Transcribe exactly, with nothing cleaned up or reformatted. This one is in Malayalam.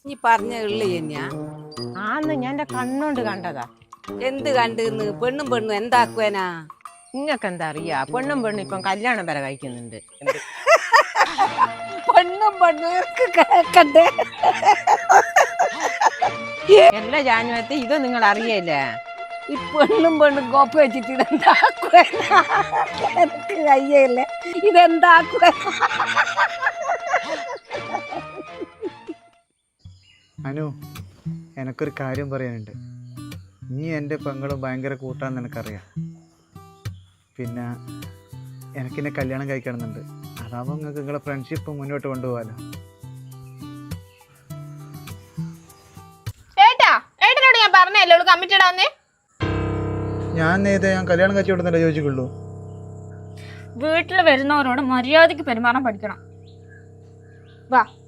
നീ പറഞ്ഞ ഉള്ളി തന്നെയാ? ആന്ന് ഞാൻ എന്റെ കണ്ണോണ്ട് കണ്ടതാ. എന്ത് കണ്ടിന്ന്? പെണ്ണും പെണ്ണും എന്താക്കുവാനാ? നിങ്ങക്ക് എന്താ അറിയാ? പെണ്ണും പെണ്ണും ഇപ്പം കല്യാണം വരെ കഴിക്കുന്നുണ്ട്. പെണ്ണും പെണ്ണും കേക്കണ്ടേ? എല്ലാ ജാനുവരത്തെ ഇത് നിങ്ങൾ അറിയല്ലേ? ഈ പെണ്ണും പെണ്ണും കോപ്പ വെച്ചിട്ട് ഇതെന്താക്കുവാനാ? എനിക്ക് കയ്യല്ലേ ഇതെന്താക്കുവാ? അനു, എനക്കൊരു കാര്യം പറയാനുണ്ട്. നീ എൻ്റെ പെങ്ങളും ഭയങ്കര കൂട്ടാന്ന് എനിക്കറിയാം. പിന്നെ എനിക്കെന്നെ കല്യാണം കഴിക്കണമെന്നുണ്ട്. അതാവുമ്പോൾ നിങ്ങൾക്ക് നിങ്ങളെ ഫ്രണ്ട്ഷിപ്പ് മുന്നോട്ട് കൊണ്ടുപോകാലോ. ഏട്ടാ ഏട്ടനോട് ഞാൻ പറഞ്ഞല്ലേ കമ്മിറ്റഡ് ആന്നേ. ഞാൻ നേരത്തെ ഞാൻ കല്യാണം കഴിച്ചോടുന്നല്ലേ ചോദിച്ചുള്ളൂ. വീട്ടിൽ വരുന്നവരോട് മര്യാദയ്ക്ക് പെരുമാറാൻ പഠിക്കണം. വാ.